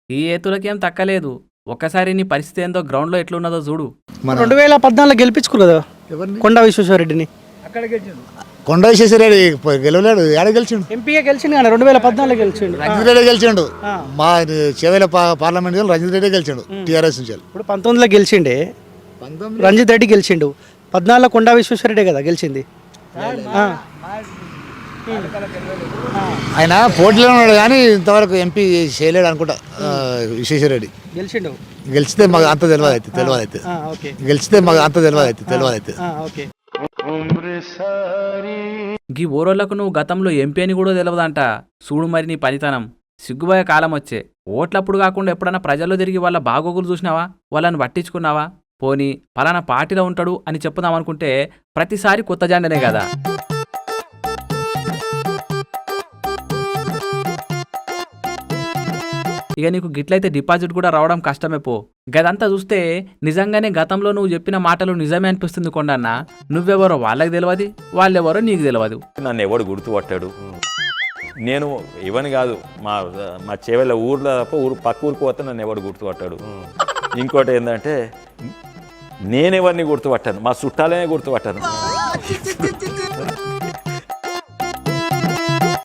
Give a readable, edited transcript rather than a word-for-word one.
ఈ ఏతులకేం తక్కలేదు. ఒక్కసారి నీ పరిస్థితి ఏందో గ్రౌండ్లో ఎట్లున్నదో చూడు. 2014 గెలిపించుకోరు కదా కొండా విశ్వేశ్వరరెడ్డిని. కొండ విశ్వేశ్వరరెడ్డి గెలవలేడు, ఏడ గెలిచిండు. ఎంపీగా గెలిచిండు కానీ 2014 గెలిచిండు. రంజిత్ రెడ్డి గెలిచిండు. మా చేవేల పార్లమెంట్ రంజిత్ రెడ్డి గెలిచిండు టీఆర్ఎస్ నుంచి. ఇప్పుడు 19లో గెలిచిండే రంజిత్ రెడ్డి గెలిచిండు. 14లో కొండా విశ్వేశ్వరరెడ్డి కదా గెలిచింది. ఆయన పోటీలో ఉన్నాడు కానీ ఇంతవరకు ఎంపీ చేయలేడు అనుకుంటా. విశ్వేశ్వరరెడ్డి గెలిచిండు. గెలిచితే మాకు అంత తెలియదు అయితే గెలిచితే మాకు అంత తెలియదు అయితే. గీ ఓరోళ్లకు నువ్వు గతంలో ఎంపీ అని కూడా తెలియదంట. చూడు మరి నీ పనితనం. సిగ్గుపోయే కాలం వచ్చే. ఓట్లప్పుడు కాకుండా ఎప్పుడన్నా ప్రజల్లో తిరిగి వాళ్ళ బాగోగులు చూసినావా? వాళ్ళని పట్టించుకున్నావా? పోనీ పలానా పార్టీలో ఉంటాడు అని చెప్పుదామనుకుంటే ప్రతిసారి కొత్త జెండనే కదా. ఇక నీకు గిట్లయితే డిపాజిట్ కూడా రావడం కష్టమే పో. గదంతా చూస్తే నిజంగానే గతంలో నువ్వు చెప్పిన మాటలు నిజమే అనిపిస్తుంది కొండన్న. నువ్వెవరో వాళ్ళకి తెలియదు, వాళ్ళెవరో నీకు తెలియదు. నన్ను ఎవడు గుర్తుపట్టాడు. నేను ఇవని కాదు, మా చేవెళ్ళ ఊర్లో తప్ప పక్క ఊరికి పోతే నన్ను ఎవడు గుర్తుపట్టాడు. ఇంకోటి ఏంటంటే నేనెవరిని గుర్తుపట్టాను, మా చుట్టాలనే గుర్తుపట్టాను.